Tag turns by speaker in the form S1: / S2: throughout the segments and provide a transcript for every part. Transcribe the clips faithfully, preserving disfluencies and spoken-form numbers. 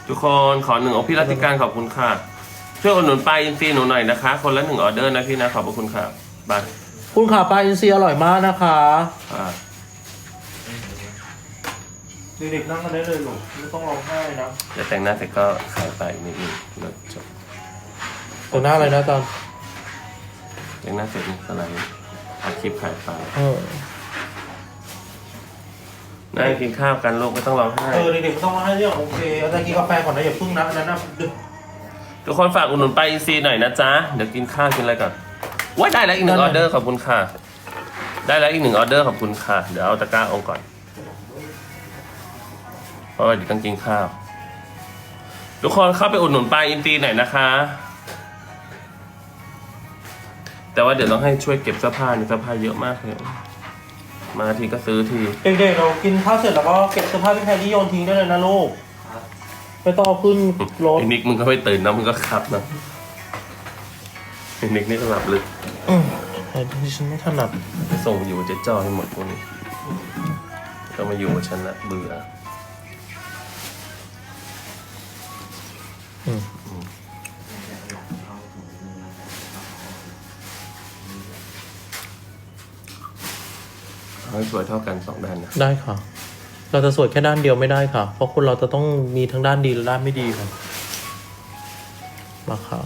S1: ทุกคนขอหนึ่งอกพี่รัติการขอบคุณค่ะช่วยอุดหนุนปลาอินทรีหนูหน่อยนะคะคนละหนึ่งออเดอร์นะพี่นะขอบพระคุณค่ะบาย
S2: คุณขาปลาอินทรีอร่อยมากนะคะ
S1: อ่า
S2: เด็กๆนั่งกันได้เลยหนูไม่ต้องร้องไห้นะ
S1: จะแต่งหน้าเสร็จก็ขายไปนิดนึงแล้วจบ
S2: แต่หน้าอะไรนะตอน
S1: แต่งหน้าเสร็จนี่ก็ไลฟ์ถ่ายคลิปขายไป
S2: เออ
S1: นั่งกินข้าวกันลูกไม่ต้องร้องไห้
S2: เออเด็กๆไม่ต้องร้องไห้เรื่องโอเคอาจารย์กินกาแฟก่อนนะอย่าพึ่งนะอันนั้นนะดึก
S1: ทุกคนฝากอุดหนุนปลาอินทรีหน่อยนะจ๊ะเดี๋ยวกินข้าวกินอะไรก่อนว้ายได้แล้วอีกหนึ่งออเดอร์ขอบคุณค่ะได้แล้วอีกหนึ่งออเดอร์ขอบคุณค่ะเดี๋ยวเอาตะกร้าองก่อนเพราะว่าเดี๋ยวต้องกินข้าวทุกคนเข้าไปอุดหนุนปลาอินทรีหน่อยนะคะแต่ว่าเดี๋ยวต้องให้ช่วยเก็บเสื้อผ้านี่เสื้อผ้าเยอะมากเลยมาทีก็ซื้อที
S2: เด็กๆเรากินข้าวเสร็จแล้วก็เก็บเสื้อผ้าพี่แพรที่โยนทิ้งได้เลยนะลูกไม่ต้องเอาขึ้นรถ
S1: ไอ้นิกมึงก็ไม่ตื่นนะมึงก็ขับนะไอ้นิกนี่ก็หลับลึก
S2: อืมแต่ที่ฉันไม่ถนัด
S1: ไปส่งอยู่เจ๊จ้อให้หมดพวกนี้ก็มาอยู่กับฉันละเบื่อ
S2: อืม
S1: เอาให้สวยเท่ากันสองด้านนะ
S2: ได้ค่ะ เราจะสวยแค่ด้านเดียวไม่ได้ค่ะ เพราะคนเราจะต้องมีทั้งด้านดีและด้านไม่ดีค่ะมาค่ะ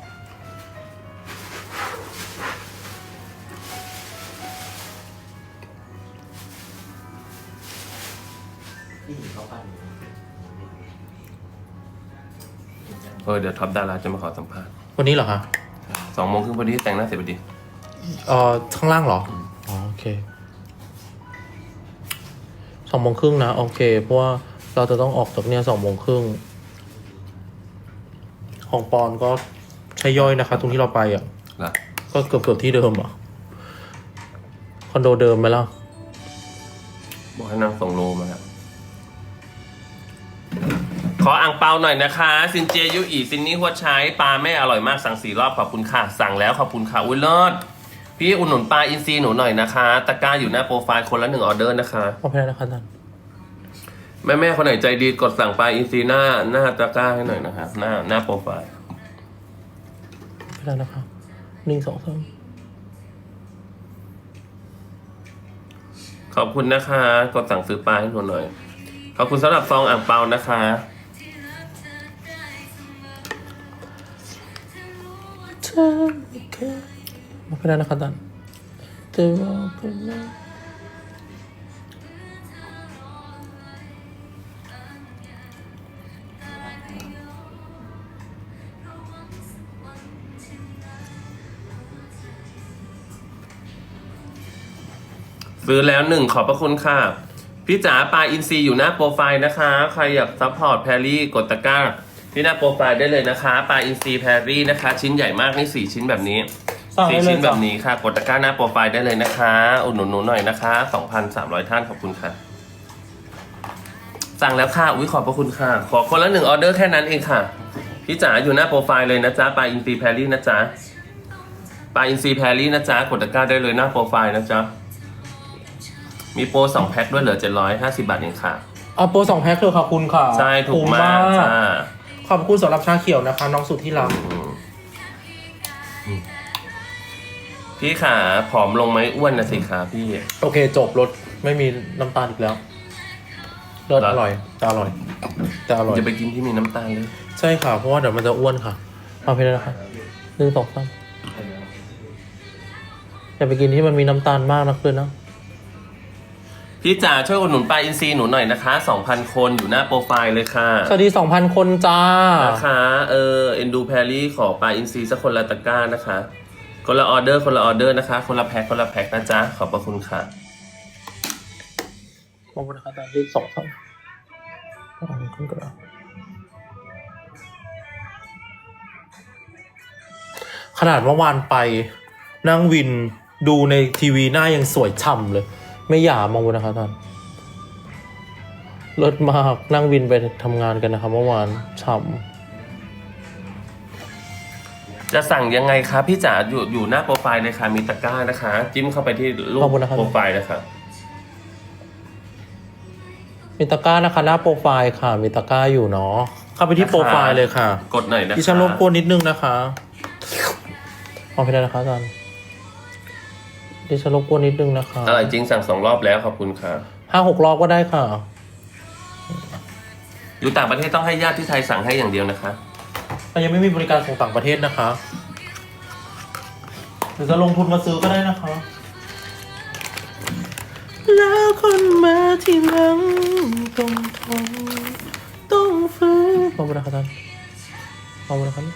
S1: เออเดี๋ยวท็อปดาราจะมาขอสัมภาษณ์
S2: วันนี้เหรอคะ
S1: สองโมงครึ่งพอดีแต่งหน้าเสร็จพอดี
S2: เอ่อข้างล่างเหรออ๋อโอเคสองโมงครึ่งนะโอเคเพราะว่าเราจะต้องออกจากเนี่ยสองโมงครึ่งของปอนก็ใช้ย่อยนะคะ ตรงที่เราไปอ่ะ
S1: ล่ะ
S2: ก็เกือบเกือบที่เดิมอ่ะคอนโดเดิมไหมล่ะ
S1: บอกให้นางส่งโลมาแล้วขออ่างเปาหน่อยนะคะซินเจยุอีซินนี่หัวใช้ปลาไม่อร่อยมากสั่งสี่รอบขอบคุณค่ะสั่งแล้วขอบคุณค่ะอุ้ยเลิศพี่อุดหนุนปลาอินทรีหนูหน่อยนะคะตะกร้าอยู่หน้าโปรไฟล์คนละหนึ่งออเดอร์นะคะ
S2: ขอบคุณนะคะท่าน
S1: แม่แม่คนไหนใจดีกดสั่งปลาอินทรีหน้าหน้าตะกร้าให้หน่อยนะคะหน้าหน้าโปรไฟล์
S2: ไม่ได้นะคะหนึ่งสองสาม
S1: ขอบคุณนะคะกดสั่งซื้อปลาให้หนูหน่อยขอบคุณสำหรับซองอ่างเปานะคะ
S2: ไม่ได้นะคะท่านเธอบอกกันนะ
S1: ซื้อแล้วหนึ่งขอบพระคุณค่ะพี่จ๋าปลาอินทรีอยู่หน้าโปรไฟล์นะคะใครอยากซัพพอร์ตแพรรี่กดตะกร้าที่หน้าโปรไฟล์ได้เลยนะคะปลาอินทรีแพรรี่นะคะชิ้นใหญ่มากนี่สี่ชิ้นแบบนี้สี่ชิ้นแบบนี้ค่ะกดตะกร้าหน้าโปรไฟล์ได้เลยนะคะอุดหนุนหนูหน่อยนะคะ สองพันสามร้อย ท่านขอบคุณค่ะสั่งแล้วค่ะอุ้ยขอบพระคุณค่ะขอคนละหนึ่งออเดอร์แค่นั้นเองค่ะพี่จ๋าอยู่หน้าโปรไฟล์เลยนะจ๊ะปลาอินทรีแพรรี่นะจ๊ะปลาอินทรีแพรรี่นะจ๊ะกดตะกร้าได้เลยหน้าโปรไฟล์นะจ๊ะมีโปรสองแพ็คด้วยเหลือเจ็ดร้อยห้าสิบบาทเองค่ะ
S2: เอาโปรสองแพ็คเถอะค่ะคุณค่ะ
S1: ใช่ถูกมากจ้า
S2: ขอบคุณสำหรับชาเขียวนะคะ น้องสุดที่รัก
S1: พี่ขาผอมลงไหมอ้วนนะสิขาพี่
S2: โอเคจบรถไม่มีน้ำตาลอีกแล้วเลิศอร่อยแต่อร่อยแต่อร่อย
S1: จะไปกินที่มีน้ำตาลเลย
S2: ใช่ค่ะเพราะว่าเดี๋ยวมันจะอ้วนค่ะเอาไปเลยนะคะหนึ่งสองสามอย่าไปกินที่มันมีน้ำตาลมากนักเลยนะ
S1: พี่จ๋าช่วยอุดหนุนปลาอินทรีหนูหน่อยนะคะสองพันคนอยู่หน้าโปรไฟล์เลยค่ะ
S2: สวัสดีสองพันคนจ้า
S1: นะคะเออเอ็นดูแพรรี่ขอปลาอินทรีสักคนละตะกร้านะคะคนละออเดอร์คนละออเดอร์นะคะคนละแพ็คคนละแพ็คนะจ๊ะขอบพระคุณค่ะ
S2: ขอบคุณนะคะตอนที่สองสามขึ้นกระขนาดเมื่อวานไปนั่งวินดูในทีวีหน้ายังสวยฉ่ำเลย ไม่หยามองบนนะคะท่านเลิศมากนั่งวินไปทำงานกันนะคะเมื่อวานฉ่ำ
S1: จะสั่งยังไงคะพี่จ๋าอยู่อยู่หน้าโปรไฟล์เลยค่ะมีตะกร้านะคะ จิ้มเข้าไปที่รูป
S2: ขอบคุณนะครับ
S1: โปรไฟล์นะคะ
S2: มีตะกร้านะคะหน้าโปรไฟล์ค่ะมีตะกร้าอยู่เนาะเข้าไปที่โปรไฟล์เลยค่ะ
S1: กดหน่อยนะคะ
S2: ดิฉันรบกวนนิดนึงนะคะเอาไปได้นะคะอาจารย์ดิฉันรบกวนนิดนึงนะคะ
S1: อร่อยจริงสั่งสองรอบแล้วขอบคุณค่ะ
S2: ห้าหกรอบก็ได้ค่ะ
S1: อยู่ต่างประเทศต้องให้ญาติที่ไทยสั่งให้อย่างเดียวนะคะ
S2: แต่ยังไม่มีบริการส่งต่างประเทศนะคะหรือจะลงทุนมาซื้อก็ได้นะคะ แล้วคนมาที่หลังต้องทนต้องฝืนขอบคุณนะครับท่านขอบคุณนะครับ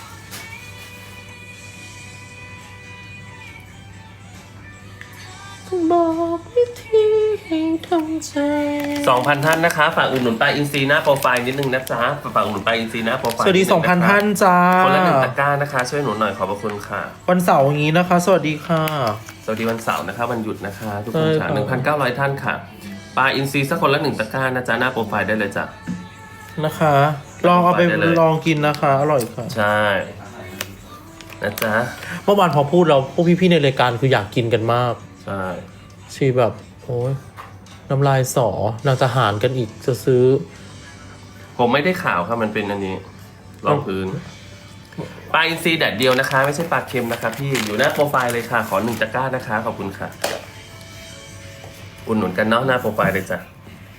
S2: ต้องบอกวิธีให้ทำใจ
S1: สองพันท่านนะคะฝากอุดหนุนปลาอินทรีหน้าโปรไฟล์นิดนึงนะจ๊ะฝากอุดหนุนปลาอินทรีหน้าโปรไฟล์
S2: สวัสดี
S1: ด
S2: สองพันท่านจ้า
S1: คนละหนึ่งตะกร้านะคะช่วยหนุนหน่อยขอบพระคุณค่ะ
S2: วันเสาร์อย่างนี้นะคะ สวัสดีค่ะ
S1: สวัสดีวันเสาร์นะคะวันหยุดนะคะ ทุกคน
S2: ใช่
S1: ค่ะ
S2: ครับ
S1: หนึ่งพันเก้าร้อยท่านค่ะปลาอินทรีสักคนละหนึ่งตะกร้านะจ๊ะหน้าโปรไฟล์ได้เลยจ้ะ
S2: นะคะ ลองเอาไป
S1: ได้เลย
S2: ลองกินนะคะ อร่อยค่ะ
S1: ใช่นะจ๊ะ
S2: เมื่อวานพอพูดเราพวกพี่ๆในรายการคืออยากกินกันมาก
S1: ใช่
S2: ชีแบบโอ้ยน้ำลายสอนางจะหารกันอีกจะซื้อ
S1: ผมไม่ได้ข่าวครับมันเป็นอันนี้รองพื้นปลาอินทรีแดดเดียวนะคะ ไม่ใช่ปลาเค็มนะคะพี่อยู่หน้าโปรไฟล์เลยค่ะขอหนึ่งตะกร้านะคะขอบคุณค่ะอุดหนุนกันเนาะหน้าโปรไฟล์เลยจ้ะ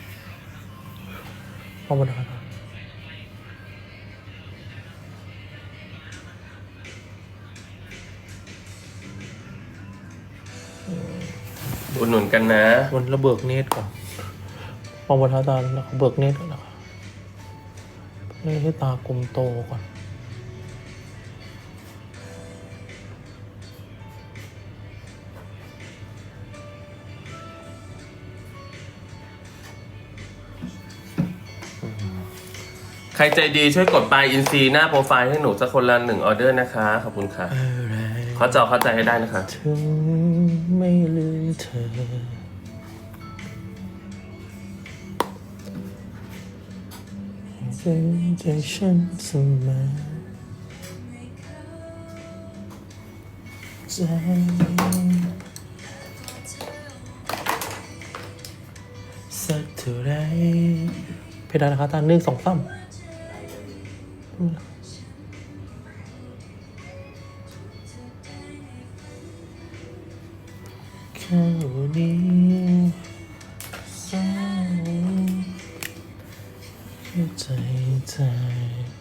S2: ขอบคุณครับ
S1: อุดหนุนกันนะ
S2: วันระเบิกเนตรก่อนขอบคุณครับอาจารย์แล้วเบิกเนตรก่อนนะคะนี่ให้ตากลมโตก่อน
S1: ใครใจดีช่วยกดปลายอินซีหน้าโปรไฟล์ให้หนูสักคนละหนึ่งออเดอร์นะคะขอบคุณค่ะเข้าจอเข้าใจให้ได้นะคะ
S2: ถึงไม่ลืมเธอเป็นใจฉันเสมอใจสักเท่าไรเพดานนะคะตาหนึ่งสองสามแค่วันนี้สองแค่ใจใจ